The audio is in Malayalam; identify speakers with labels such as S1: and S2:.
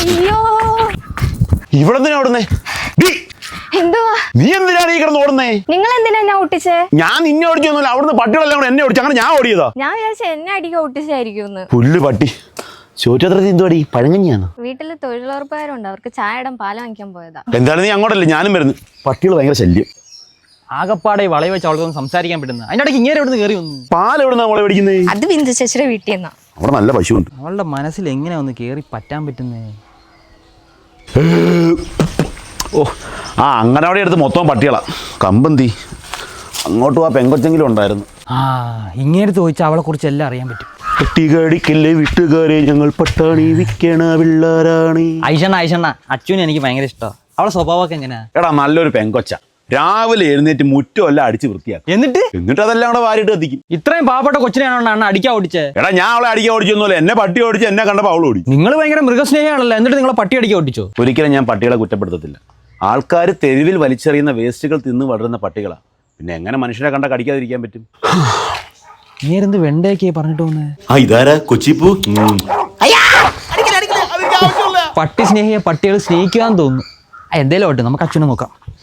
S1: അയ്യോ
S2: ഇവിടെ എന്തിനാ ഓടുന്നേ?
S1: എന്തുവാ
S2: നീ എന്തിനാണ് ഈ കിടന്ന് ഓടുന്നേ?
S1: നിങ്ങൾ എന്തിനാ എന്നെ ഓട്ടിച്ചേ?
S2: ഞാൻ നിന്നെ ഓടിച്ചൊന്നുമില്ല, അവിടുന്ന് പട്ടികളെല്ലാം കൂടെ എന്നെ ഓടിച്ചു, അങ്ങനെ ഞാൻ ഓടിയതാ.
S1: ഞാൻ വിചാരിച്ച എന്നെ അടിക്കാൻ ഓട്ടിച്ചായിരിക്കും.
S2: പുല്ല് പട്ടി. ചോറ്റത്രത്തിൽ എന്തുവാടി, പഴങ്ങഞ്ഞിയാണോ?
S1: വീട്ടില് തൊഴിലുറപ്പുകാരുണ്ട്, അവർക്ക് ചായയുടെ പാല് വാങ്ങിക്കാൻ പോയതാ.
S2: എന്തായാലും നീ അങ്ങോട്ടല്ലേ, ഞാനും വരുന്നു. പട്ടികൾ ഭയങ്കര ശല്യം.
S3: ആകപ്പാടെ വളയെ വെച്ച് അവൾക്കൊന്നും സംസാരിക്കാൻ പറ്റുന്നത്. അതിൻ്റെ ഇടയ്ക്ക് ഇങ്ങനെ എവിടെ കയറി വന്നു?
S2: പാൽ എവിടെ നമ്മളെ മേടിക്കുന്നേ?
S1: അത് ബിന്ദു ചേച്ചിയുടെ വീട്ടിൽ നിന്നാ.
S2: അവിടെ നല്ല പശുവുണ്ട്.
S3: അവളുടെ മനസ്സിൽ എങ്ങനെ ഒന്ന് കയറി പറ്റാൻ പറ്റുന്നേ?
S2: ഓ ആ അങ്ങനവിടെ എടുത്ത് മൊത്തം പട്ടികളാ. കമ്പന്തി അങ്ങോട്ട് ആ പെങ്കൊച്ചെങ്കിലും ഉണ്ടായിരുന്നു.
S3: ആ ഇങ്ങേടുത്ത് ചോദിച്ചാൽ അവളെ കുറിച്ച് എല്ലാം അറിയാൻ പറ്റും.
S2: പട്ടികടിക്കല്ലേ വീട്ടുകാരെ, ഞങ്ങൾ പട്ടാണി വിൽക്കണ പിള്ളേരാണി.
S3: ഐഷണ്ണ അച്ഛനും എനിക്ക് ഭയങ്കര ഇഷ്ടമാണ്. അവളെ സ്വഭാവമൊക്കെ എങ്ങനെയാ?
S2: എടാ നല്ലൊരു പെങ്കൊച്ച. രാവിലെ എഴുന്നേറ്റ് മുറ്റമെല്ലാം അടിച്ച് വൃത്തിയാക്കും. എന്നിട്ട് അതെല്ലാം കൂടെ വാരിട്ട് എത്തിക്കും.
S3: ഇത്രയും പാവപ്പെട്ട കൊച്ചിനെയാണോ അടിക്കാൻ ഓടിച്ചേ?
S2: എടാ ഞാൻ അവളെ അടിക്കാൻ ഓടിച്ചൊന്നുമില്ല, എന്നെ പട്ടി ഓടിച്ച്, എന്നെ കണ്ടപ്പോൾ അവൾ ഓടി.
S3: നിങ്ങൾ ഭയങ്കര മൃഗസ്നേഹിയാണല്ലോ, എന്നിട്ട് നിങ്ങളെ പട്ടി അടിക്കാൻ ഓടിച്ചോ?
S2: ഒരിക്കലും ഞാൻ പട്ടികളെ കുറ്റപ്പെടുത്തത്തില്ല. ആൾക്കാർ തെരുവിൽ വലിച്ചെറിയുന്ന വേസ്റ്റുകൾ തിന്ന് വളരുന്ന പട്ടികളാണ്. പിന്നെ എങ്ങനെ മനുഷ്യരെ കണ്ട കടിക്കാതിരിക്കാൻ പറ്റും?
S3: നേരെന്ത് വെണ്ടയൊക്കെ പറഞ്ഞിട്ട് വന്നേ?
S2: ഇതാരാ കൊച്ചിപ്പൂ?
S3: പട്ടി സ്നേഹിയെ പട്ടികൾ സ്നേഹിക്കാന്ന് തോന്നുന്നു. എന്തേലും ഓട്ടെ, നമുക്ക് അച്ഛനെ നോക്കാം.